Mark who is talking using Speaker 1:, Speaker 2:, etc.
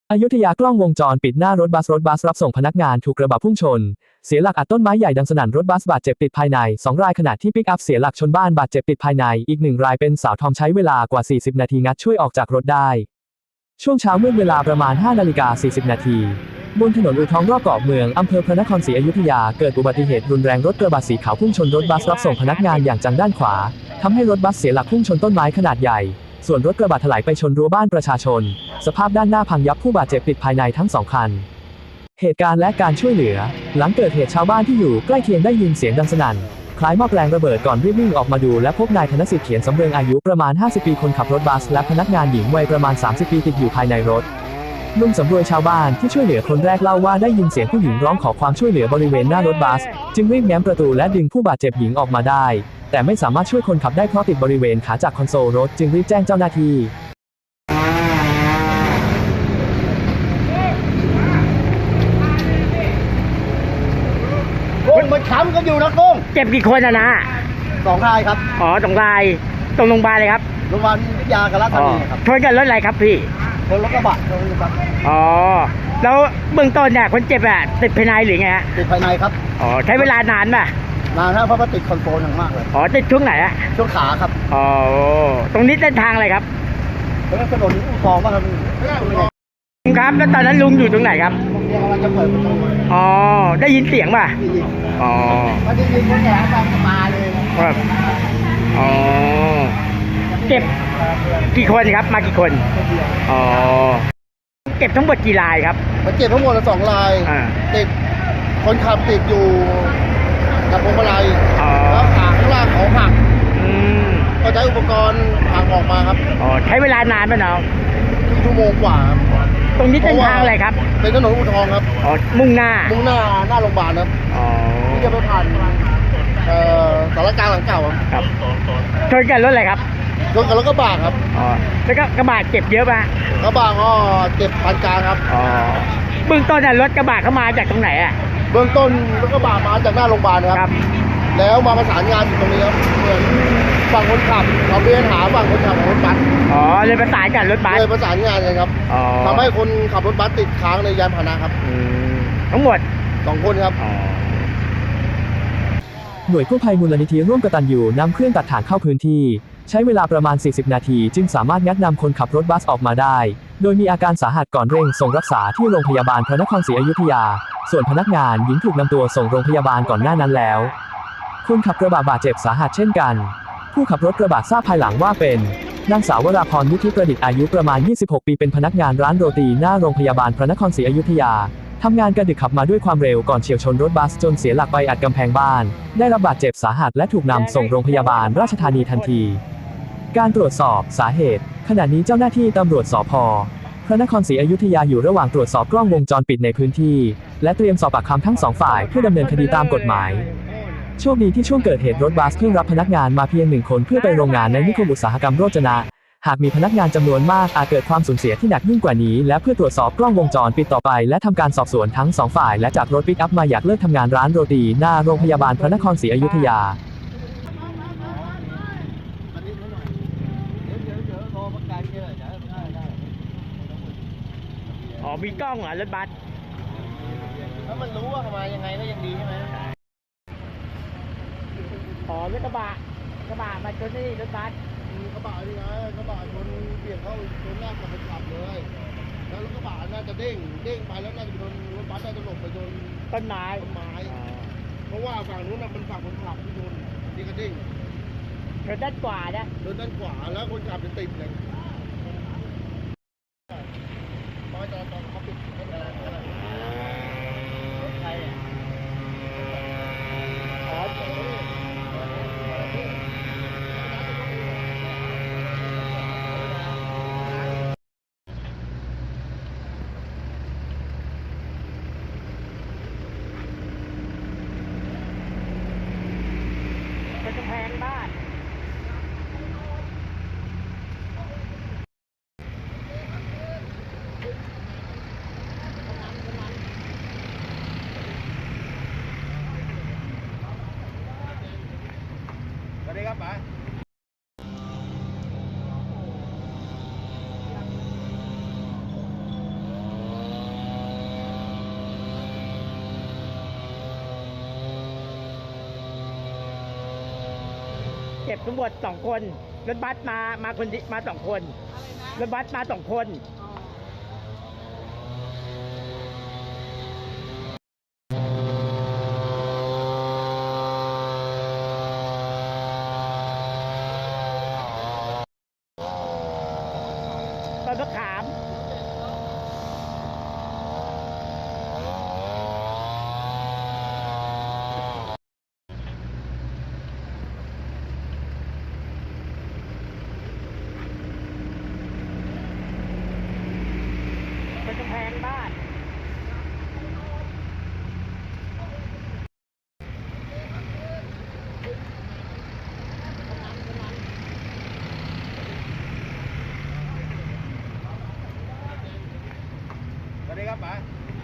Speaker 1: อยุธยากล้องวงจรปิดหน้ารถบัสรับส่งพนักงานถูกกระบะพุ่งชนเสียหลักอัดต้นไม้ใหญ่ดังสนั่นรถบัสบาดเจ็บติดภายใน2 รายขณะที่ปิกอัพเสียหลักชนบ้านบาดเจ็บติดภายในอีก1 รายเป็นสาวทอมใช้เวลากว่า40 นาทีงัดช่วยออกจากรถได้ช่วงเช้ามืดเวลาประมาณ5:40 นาทีบนถนนอู่ทองรอบเกาะเมืองอำเภอพระนครศรีอยุธยาเกิดอุบัติเหตุรุนแรงรถกระบะสีขาวพุ่งชนรถบัสรับส่งพนักงานอย่างจังด้านขวาทำให้รถบัสเสียหลักพุ่งชนต้นไม้ขนาดใหญ่ส่วนรถกระบะถลายไปชนรั้วบ้านประชาชนสภาพด้านหน้าพังยับผู้บาดเจ็บติดภายในทั้ง2 คันเหตุการณ์และการช่วยเหลือหลังเกิดเหตุชาวบ้านที่อยู่ใกล้เคียงได้ยินเสียงดังสนั่นคล้ายหม้อแปลงระเบิดก่อนรีบวิ่งออกมาดูและพบนายธนสิทธิ์เขียนสำเริงอายุประมาณ50 ปีคนขับรถบัสและพนักงานหญิงวัยประมาณ30 ปีติดอยู่ภายในรถลุงสำรวยชาวบ้านที่ช่วยเหลือคนแรกเล่าว่าได้ยินเสียงผู้หญิงร้องขอความช่วยเหลือบริเวณหน้ารถบัสจึงรีบแง้มประตูและดึงผู้บาดเจ็บหญิงออกมาได้แต่ไม่สามารถช่วยคนขับได้เพราะติดบริเวณขาจากคอนโซลรถจึงรีบแจ้งเจ้าหน้าที่
Speaker 2: กุ้งมันช้ำกันอยู่นะกุ้ง
Speaker 3: เจ็บกี่คนอะนะ
Speaker 2: 2 รายครับ
Speaker 3: อ๋อ2 รายตรงโรงพยาบาลเลยครับ
Speaker 2: โรงพยาบาลวิทยากับราชธานีครับ
Speaker 3: ชนกันรถอะไรครับพี่
Speaker 2: รถกระบะครับ
Speaker 3: อ๋อแล้วเบื้องต้นเนี่ยคนเจ็บอะติดภายในหรือไงฮะ
Speaker 2: ติดภายในครับ
Speaker 3: อ๋อใช้เวลานานป่ะ
Speaker 2: นานครับเพราะว่าติดคอนโซลอย่างมากเลย
Speaker 3: อ๋อติดช่วงไหนอะ
Speaker 2: ช่วงขาครับ
Speaker 3: อ๋อตรงนี้เส้นทางอะไรครับ
Speaker 2: เป็นถนนอู่ทองป่ะครับ
Speaker 3: ครับแล้วตอนนั้นลุงอยู่ตรงไหนครับ
Speaker 2: กำลังจะเปิดประตู
Speaker 3: อ๋อได้ยินเสียงป่ะอ๋อ
Speaker 2: ไม่ได้ยินคนแก่ฟังมาเลย
Speaker 3: ครับอ๋อเก็บกี่คนครับมากี่คนอ๋อเก็บทั้งหมดกี่รายครับ
Speaker 2: มันเจ็บทั้งหมด2 รายติดคนขับติดอยู่กับพวงมาลัยแล้วขาข้างล่างเขาหักก็ใช้อุปกรณ์หักออกมาครับ
Speaker 3: อ๋อใช้เวลานานไหมน้อง
Speaker 2: ชั่วโมงกว่า
Speaker 3: ตรงนี้เส้นทางอะไรครับ
Speaker 2: เป็นถนนอู่ทองครับ
Speaker 3: อ๋อมุ่งหน้า
Speaker 2: โรงพยาบาลครับ
Speaker 3: อ๋อ
Speaker 2: ที่จะไปผ่านสารกลางหลังเก่า
Speaker 3: ครับชนกันรถอะไรครับ
Speaker 2: ชนกับรถกระบะครับ
Speaker 3: อ๋อแล้วก็กระบะเจ็บเยอะป่ะ
Speaker 2: กระบะก็เจ็บปานกลางครับ
Speaker 3: อ๋อเบื้องต้นรถกระบะเข้ามาจากตรงไหนอ่ะ
Speaker 2: เบื้องต้นรถกระบะมาจากหน้าโรงพยาบาลครับแล้วมาประสานงานอยู่ตรงนี้ครับเหมือนฝั่งคนขับเขาเรียนหาฝั่งคนขับของรถบัส
Speaker 3: อ๋อเลยประสานกันรถบัส
Speaker 2: เลยประสานงานกันครับทำให้คนขับรถบัสติดค้างในยานพาหนะครับ
Speaker 3: ทั้งหมด
Speaker 2: 2 คนครับ
Speaker 1: หน่วยกู้ภัยมูลนิธิร่วมกตัญญูนำเครื่องตัดถ่างเข้าพื้นที่ใช้เวลาประมาณ40 นาทีจึงสามารถงัดนำคนขับรถบัสออกมาได้โดยมีอาการสาหัสก่อนเร่งส่งรักษาที่โรงพยาบาลพระนครศรีอยุธยาส่วนพนักงานหญิงถูกนำตัวส่งโรงพยาบาลก่อนหน้านั้นแล้วคนขับกระบะบาดเจ็บสาหัสเช่นกันผู้ขับรถกระบะทราบภายหลังว่าเป็นนางสาววราพรวุฒิประดิษฐ์อายุประมาณ26 ปีเป็นพนักงานร้านโรตีหน้าโรงพยาบาลพระนครศรีอยุธยาทำงานกระดึกขับมาด้วยความเร็วก่อนเฉี่ยวชนรถบัสจนเสียหลักไปอัดกำแพงบ้านได้รับบาดเจ็บสาหัสและถูกนำส่งโรงพยาบาลราชธานีทันทีการตรวจสอบสาเหตุขณะนี้เจ้าหน้าที่ตำรวจสภ.พระนครศรีอยุธยาอยู่ระหว่างตรวจสอบกล้องวงจรปิดในพื้นที่และเตรียมสอบปากคำทั้ง2 ฝ่ายเพื่อดำเนินคดีตามกฎหมายโชคดีที่ช่วงเกิดเหตุรถบัสเพิ่งรับพนักงานมาเพียง1 คนเพื่อไปโรงงานในนิคมอุตสาหกรรมโรจนะหากมีพนักงานจำนวนมากอาจเกิดความสูญเสียที่หนักยิ่งกว่านี้และเพื่อตรวจสอบกล้องวงจรปิดต่อไปและทำการสอบสวนทั้ง2 ฝ่ายและจากรถปิกอัพมาอยากเลิกทำงานร้านโรตีหน้าโรงพยาบาลพระนครศรีอยุธยา
Speaker 3: อ๋อมีกล้องเหรอรถบัส
Speaker 2: ถ้ามันรู้ว่ามายังไงก็ยังดีใช่ไหม
Speaker 3: อ๋อรถกระบะมาชนนี่รถบัส
Speaker 2: กระบะนี่ไงกระบะชนเบี่ยงเข้าชนหน้ากับคนขับเลยแล้วรถกระบะน่าจะเด้งไปแล้วน่าจะโดนรถบัสน่าจะหลบไปโดน
Speaker 3: ต้นไม้
Speaker 2: เพราะว่าฝั่งนู้นมันฝั่งคนขับที่โดนนี่ก็เด้ง
Speaker 3: โดนด้านขวานะ
Speaker 2: โดนด้านขวาแล้วคนขับจะติดเลยตอนเขาปิด
Speaker 3: ใครอ่ะอ๋อเป็นกำแพงบ้าน
Speaker 2: สวัสดีครับป๋า
Speaker 3: เจ็บทั้งหมด2 คนรถบัสมาคนมา2 คนรถบัสมา2 คน ต้นมะขามเป็นกำแพงบ้าน
Speaker 2: สวัสดีครับป๋า